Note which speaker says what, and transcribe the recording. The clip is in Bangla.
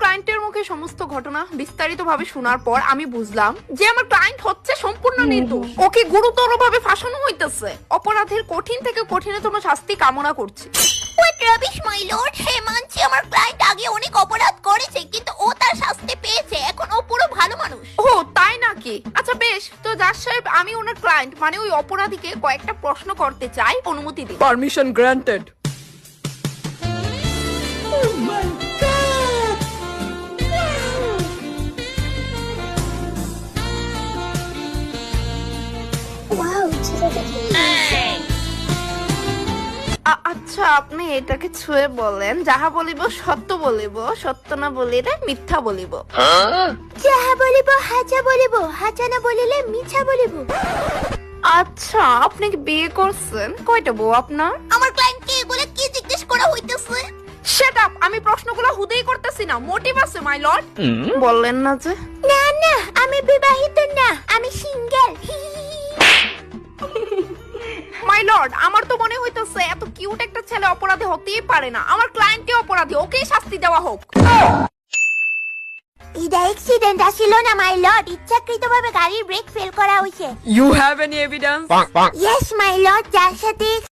Speaker 1: ক্লায়েন্টের মুখে সমস্ত ঘটনা বিস্তারিতভাবে শোনার পর আমি বুঝলাম যে আমার ক্লায়েন্ট হচ্ছে সম্পূর্ণ নির্দোষ। ওকে গুরুতরভাবে ফাঁসানো হইতেছে। অপরাধের কঠিন থেকে কঠিনতম শাস্তি কামনা করছি।
Speaker 2: What rubbish my lord. হে মানছি আমার ক্লায়েন্ট আগে অনেক অপরাধ করেছে, কিন্তু ও তার শাস্তি পেয়েছে। এখন ও পুরো ভালো মানুষ।
Speaker 1: ও তাই নাকি? আচ্ছা বেশ, তো জাজ সাহেব আমি ওনার ক্লায়েন্ট মানে ওই অপরাধীকে কয়েকটা প্রশ্ন করতে চাই, অনুমতি দিন।
Speaker 3: Permission granted.
Speaker 2: ওয়াও, ছেলেটা কি
Speaker 1: আচ্ছা আপনি এটাকে ছুঁয়ে বলেন, যাহা বলিব সত্য বলিব, সত্য না বলিলে মিথ্যা বলিব।
Speaker 2: যাহা বলিব হাজা বলিব, হাজা না বলিলে মিছা বলিব।
Speaker 1: আচ্ছা আপনি কি বিয়ে করছেন? কয়টা বউ আপনার?
Speaker 2: আমার ক্লায়েন্টকে এগুলো কি জিজ্ঞেস করা হইতেছে?
Speaker 1: শাট আপ, আমি প্রশ্নগুলো হুদেই করতেছি না, মোটিভ আছে মাই লর্ড। বললেন না যে?
Speaker 2: না না, আমি বিবাহিত না, আমি সিঙ্গেল।
Speaker 1: মাই লর্ড, আমার তো মনে হইতেছে এত কিউট একটা ছেলে অপরাধী হতেই পারে না। আমার ক্লায়েন্টই অপরাধী, ওকেই শাস্তি দেওয়া হোক।
Speaker 2: এটা অ্যাক্সিডেন্ট আসিল না মাই লর্ড, ইচ্ছাকৃতভাবে গাড়ির ব্রেক ফেল করা হয়েছে।
Speaker 3: You have any evidence?
Speaker 2: Yes my lord, যার সাথে